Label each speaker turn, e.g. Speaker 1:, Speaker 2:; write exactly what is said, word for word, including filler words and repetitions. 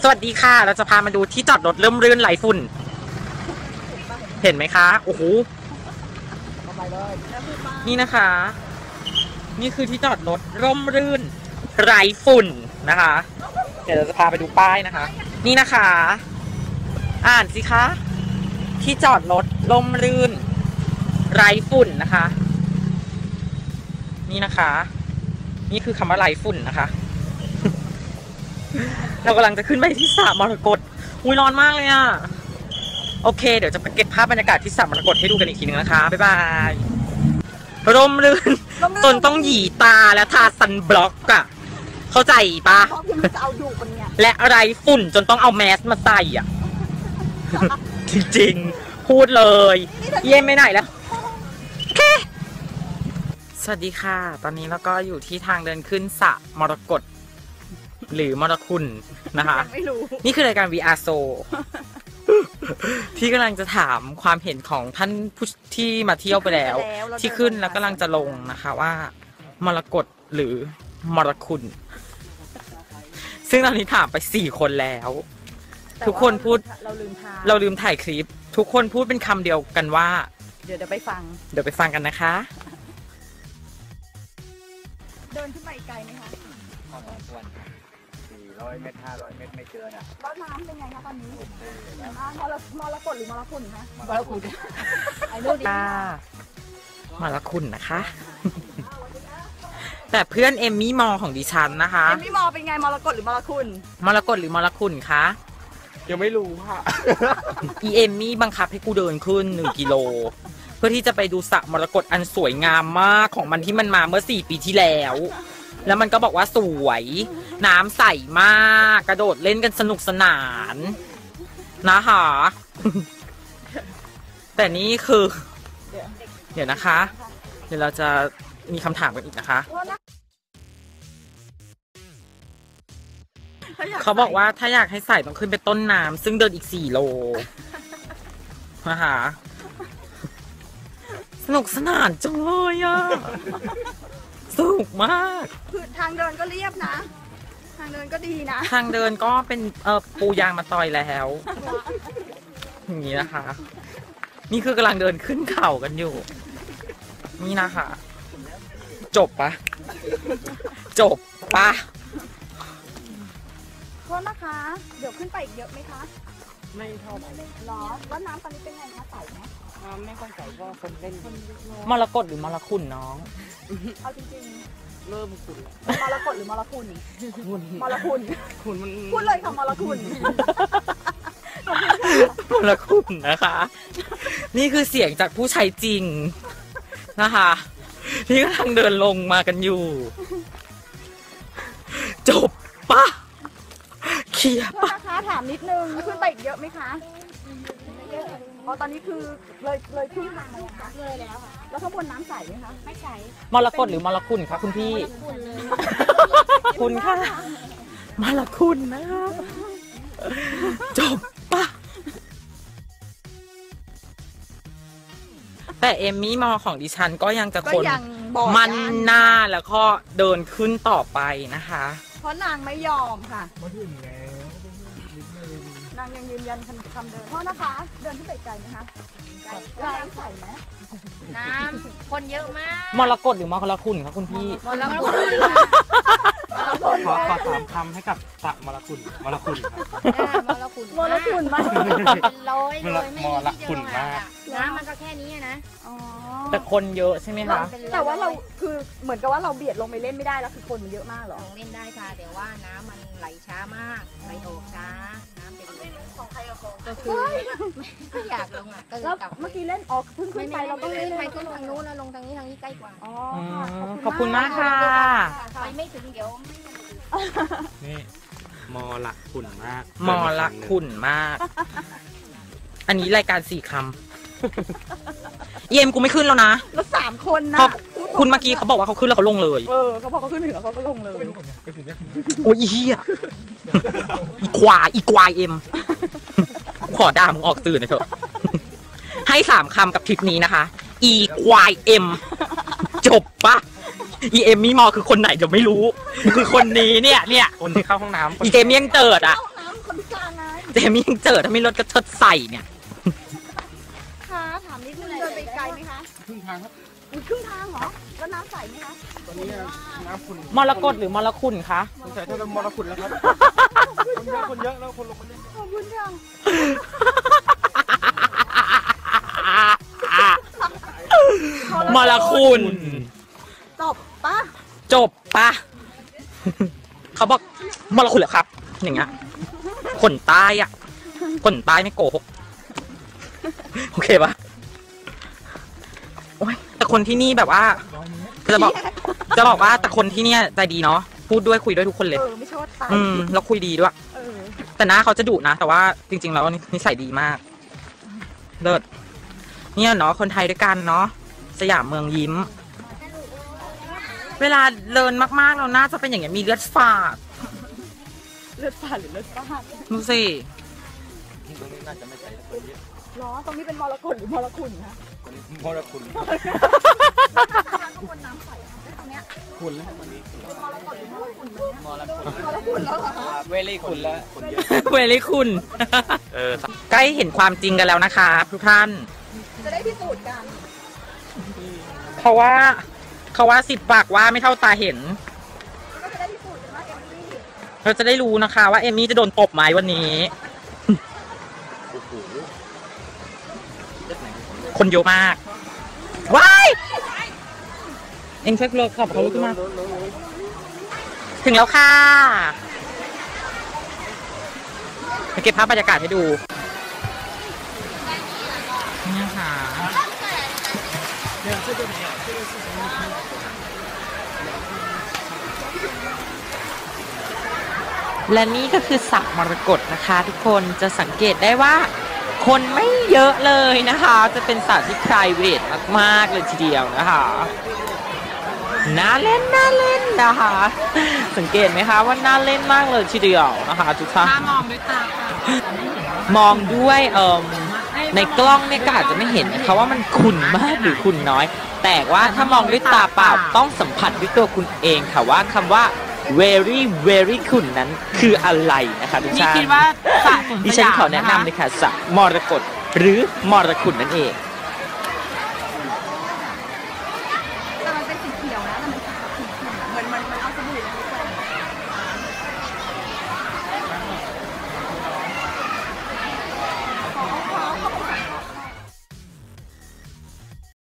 Speaker 1: วัสดีค่ะเราจะพามาดูที่จอดรถเริ่มรื่นไหลฝุ่นเห็นไหมคะโอ้โหนี่นะคะนี่คือที่จอดรถร่มรื่นไร้ฝุ่นนะคะเดี๋ยวเราจะพาไปดูป้ายนะคะนี่นะคะอ่านสิคะที่จอดรถร่มรื่นไร้ฝุ่นนะคะนี่นะคะนี่คือคำว่าไร้ฝุ่นนะคะเรากำลังจะขึ้นไปที่สระมรกตอุ้ยร้อนมากเลยอ่ะโอเคเดี๋ยวจะไปเก็บภาพบรรยากาศที่สระมรกตให้ดูกันอีกทีนึงนะคะบ๊ายบายร่มรื่นจนต้องหยีตาและทาซันบล็อกอะเข้าใจปะและอะไรฝุ่นจนต้องเอาแมสมาใส่อ่ะจริงๆพูดเลยเยี่ยมไม่ไหนแล้วโอเคสวัสดีค่ะตอนนี้เราก็อยู่ที่ทางเดินขึ้นสระมรกตหรือมรคุณนะคะไม่รู้นี่คือรายการ วี อาร์ โซ ที่กำลังจะถามความเห็นของท่านผู้ที่มาเที่ยวไปแล้วที่ขึ้นแล้วกำลังจะลงนะคะว่ามรกตหรือมรคุณซึ่งตอนนี้ถามไปสี่คนแล้วทุกคนพูดเราลืมถ่ายเราลืมถ่ายคลิปทุกคนพูดเป็นคำเดียวกันว่าเดี๋ยวเดี๋ยวไปฟังเดี๋ยวไปฟังกันนะคะ
Speaker 2: เดินขึ้นไปไกลไหมคะ
Speaker 3: พอสมควรสี่ร้อยเมตรห้าร้อยเมตรไม่เกินอ่ะ
Speaker 2: แล้วน้ำเป็นไงคะตอนนี้มรมรกตหรือมรคุณคะ
Speaker 3: มรคุณ
Speaker 1: ไอ้นู่นค่ะมรคุณนะคะแต่เพื่อนเอมมี่มอของดิฉันนะคะ
Speaker 2: เอมมี่มอเป็นไงมรกตหรือมรคุณ
Speaker 1: มรกตหรือมรคุณคะ
Speaker 3: ยังไม่รู้ค่ะ
Speaker 1: อีเอมมี่บังคับให้กูเดินขึ้นหนึ่งกิโลเพื่อที่จะไปดูสระมรกตอันสวยงามมากของมันที่มันมาเมื่อสี่ปีที่แล้วแล้วมันก็บอกว่าสวยน้ำใสมากกระโดดเล่นกันสนุกสนานนะคะแต่นี่คือเดี๋ยวนะคะเดี๋ยวเราจะมีคำถามกันอีกนะคะเขาบอกว่าถ้าอยากให้ใส่ต้องขึ้นไปต้นน้ำซึ่งเดินอีกสี่โลนะคะสนุกสนานจังเลยอ่ะสนุกมาก
Speaker 2: คือทางเดินก็เรียบนะทางเดินก็ดีนะ
Speaker 1: ทางเดินก็เป็นเอ่อปูยางมาตอยแล้วอย่างนี้นะคะนี่คือกำลังเดินขึ้นเขากันอยู่นี่นะคะจบปะจบปะ
Speaker 2: โทษนะคะเดี๋ยวขึ้นไปอีกเยอะไหมคะ
Speaker 3: ไม่เท่าไหร่
Speaker 2: หรอแล้วน้ำตอนนี้เป็นไงคะใสไหม
Speaker 3: น้ำไม่ค่อยใสเพราะคนเล่น
Speaker 1: มรกตหรือมรคุณน้อง
Speaker 2: เอาจริง
Speaker 3: ๆเริ่มขุ่น
Speaker 2: มรกตหรือมรคุณมรคุณ
Speaker 3: ขุ่นมัน
Speaker 2: พูดเลยค่ะมรคุณ
Speaker 1: มรคุณนะคะนี่คือเสียงจากผู้ใช้จริงนะคะที่กำลังเดินลงมากันอยู่จบปะเคลียร์ปะ
Speaker 2: นะคะถามนิดนึงขึ้นไปอีกเยอะไหมคะอ๋อตอนนี้คือเลยเลยขึ้นทางเลยคะเลยแล้วค่ะแล้วข้างบนน้ำใสไหมคะไม่ใส
Speaker 1: มรกตหรือมรคุณคะคุณพี่คุณค่ะมรคุณนะคะจบปะแต่เอมมี่มอของดิฉันก็ยังจะคนมันหน้าแล้วก็เดินขึ้นต่อไปนะคะ
Speaker 2: เพราะนางไม่ยอมค่ะนางยังยืนยันคำเดิมเพราะนะคะเดินขึ้นไปไกลไหมคะไกลน้ำใสไหม
Speaker 4: น้ำคนเยอะมาก
Speaker 1: มรกตหรือมรคุณคะคุณพี่
Speaker 4: มรคุณ
Speaker 3: ขอขอถามคำให้กับสระมรคุณมรคุณ
Speaker 4: ครับมรคุณ
Speaker 2: มรคุณมาก
Speaker 4: ร้อยเลยไม่มีที่จะลงอ่ะน้ำมันก็แค่นี้นะ
Speaker 1: แต่คนเยอะใช่ไหมคะ
Speaker 2: แต่ว่าเราคือเหมือนกับว่าเราเบียดลงไปเล่นไม่ได้แล้วคือคนมันเยอะมากหรอ
Speaker 4: เล่นได้ค่ะแต่ว่าน้ำมันไหลช้ามากไหลออกช้าน้ำเป็นของใครกับของก็คือไม่อยากลงอ่ะก็เลยกลับ
Speaker 2: เมื่อกี้เล่นออกเพิ่งขึ้นไปเราต้องเล่น
Speaker 4: ไปขึ้นทางนู้นแล้วลงทางนี้ทางนี้ใกล้กว่า
Speaker 2: อ๋อ
Speaker 1: ขอบคุณมากค่ะ
Speaker 4: ไปไม่ถึงเดี๋ยว
Speaker 3: นี่มอละขุ่นมาก
Speaker 1: มอละขุ่นมากอันนี้รายการสี่คำเยี่ยมกูไม่ขึ้นแล้วนะ
Speaker 2: แล้วสามคนนะ
Speaker 1: คุณเมื่อกี้เขาบอกว่าเขาขึ้นแล้วเขาลงเลย
Speaker 2: เออเขาบอกเขาขึ้นถึงแล้วเขาก็ลงเลย
Speaker 1: โอ้ยเฮียอีควายอีควายเอ็มขอด่ามึงออกตื่นหน่อยเถอะให้สามคำกับทริปนี้นะคะอีควายเอ็มจบปะอีเอ็มมี่มอคือคนไหนเดี๋ยวไม่รู้คือคนนี้เนี่ยเนี่ย
Speaker 3: คนที่เข้าห้องน้ำ
Speaker 1: อีเกมยังเติร์ดอ่ะ
Speaker 2: กลางไง
Speaker 1: เจมี่ยังเจอถ้าไม่ลดก็เชิดใส่เนี่ย
Speaker 2: ค่ะถามนิดนึงเดินไปไกลไหมคะ
Speaker 3: ครึ่งทางครับ
Speaker 2: อุ้ยครึ่งทางเหรอแล้วน้ำใสไหมคะ
Speaker 3: ตอนนี้น้ำขุ่น
Speaker 1: มรกตหรือมรคุณคะ
Speaker 3: สงสัยจะเป็นมรขุ่นแล้วครับคนเยอะคนเยอะแล้วคนลงคนเยอะ
Speaker 2: ขอบคุณค่ะ
Speaker 1: มรคุณ
Speaker 2: จบปะ
Speaker 1: จบปะ เขาบอกมรคุณเหรอครับ อย่างเงี้ยคนใต้อะคนใต้ไม่โกหกโอเคปะโอ้ยแต่คนที่นี่แบบว่า จะบอก จะบอกว่าแต่คนที่เนี่ยใจดีเนาะพูดด้วยคุยด้วยทุกคนเลย
Speaker 2: เออไม่ใช่ว่าตาย
Speaker 1: อืมแล้วคุยดีด้วย
Speaker 2: เออ
Speaker 1: แต่หน้าเขาจะดุนะ แต่ว่าจริงๆแล้วนิสัยดีมาก เลิศเนี่ยเนาะคนไทยด้วยกันเนาะสยามเมืองยิ้ม เวลาเดินมากๆเราน่าจะเป็นอย่างเงี้ยมีเลือดฝาด
Speaker 2: เลือดฝาดหรือเลือดฝาด
Speaker 1: ดูสิ
Speaker 3: ตรงนี้น่าจะไม่ใช่คนเยอะ
Speaker 2: ล้อตรงนี้เป็นมรกตหรือมรคุณคะ
Speaker 3: คนนี้มรขุ่น
Speaker 2: ข้างบนน้ำใสตรงเนี้ย
Speaker 3: ขุ่นแล้ววันนี้
Speaker 2: มรกตหรือมรคุณมัน
Speaker 3: มรขุ่น
Speaker 2: มรคุณแล้วเหรอคะ
Speaker 3: เวลี่ขุ่นแล้วคนเยอะ
Speaker 1: เวลิคุณ
Speaker 3: เออ
Speaker 1: ใกล้เห็นความจริงกันแล้วนะคะทุกท่าน
Speaker 2: จะได้พิสูจน์กัน
Speaker 1: เพราะว่าเขาว่าสิบปากว่าไม่เท่าตาเห็น
Speaker 2: ก็จะได้พิสูจน์กันว่าเอมมี่
Speaker 1: เราจะได้รู้นะคะว่าเอมมี่จะโดนตบไหมวันนี้ คนเยอะมาก ว้าย เอ็งช่วยเลิกขับเขาลุกขึ้นมา ถึงแล้วค่ะมาเก็บภาพบรรยากาศให้ดู นี่ค่ะ และนี่ก็คือสระมรกตนะคะ ทุกคนจะสังเกตได้ว่า คนไม่เยอะเลยนะคะ จะเป็นสระที่ private มากๆเลยทีเดียวนะคะน่าเล่นน่าเล่นนะคะ สังเกตไหมคะว่าน่าเล่นมากเลยทีเดียวนะคะทุกท่านมองด้วยตามองด้วยเอ่อในกล้องเนี่ยก็อาจจะไม่เห็นนะคะว่ามันขุ่นมากหรือขุ่นน้อย แต่ว่าถ้ามองด้วยตาเปล่าต้องสัมผัสด้วยตัวคุณเองค่ะว่าคำว่า very very ขุ่นนั้นคืออะไรนะคะทุกท่าน
Speaker 4: นี่คิดว่าสระสวนสยาม
Speaker 1: ดิฉันขอแนะนำเลยค่ะสระมรกตหรือมรคุณนั่นเอง
Speaker 2: แต่มันเป็นสีเขียวนะแต่มันสีแบบขุ่นๆอะเหมือนมันมันเอาสบู่มาแขว